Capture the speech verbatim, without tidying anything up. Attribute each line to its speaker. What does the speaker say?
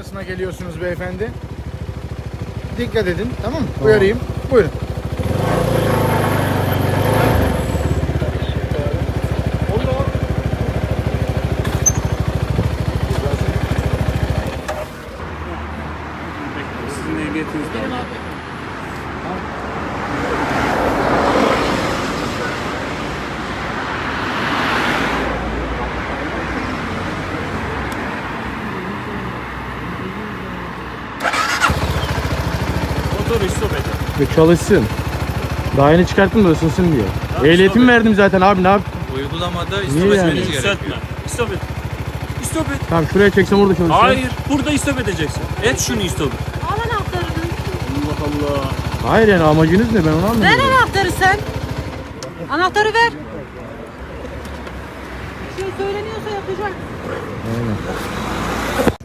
Speaker 1: noktasına geliyorsunuz beyefendi. Dikkat edin, tamam mı? Uyarayım. Buyurun.
Speaker 2: Sizin ehliyetiniz de var. Motoru stop edin.
Speaker 3: Ve çalışsın. Daha yeni çıkarttım da ısınsın diye.
Speaker 2: Tamam,
Speaker 3: Ehliyetim
Speaker 2: stop et.
Speaker 3: verdim zaten abi, ne yap?
Speaker 4: Uygulamada
Speaker 3: Niye
Speaker 4: istop
Speaker 3: yani?
Speaker 4: etmeniz
Speaker 2: Yükseltme.
Speaker 4: gerekiyor.
Speaker 2: Stop et. Stop et.
Speaker 3: Tamam, şuraya çeksem orada çalışsın.
Speaker 2: Hayır. Burada stop edeceksin. Et şunu stop et.
Speaker 5: Al anahtarını.
Speaker 2: Allah Allah.
Speaker 3: Hayır, yani amacınız ne, ben onu
Speaker 5: Ver
Speaker 3: anlamıyorum.
Speaker 5: anahtarı sen. Anahtarı ver. Bir şey söyleniyorsa yapacak.
Speaker 3: Aynen.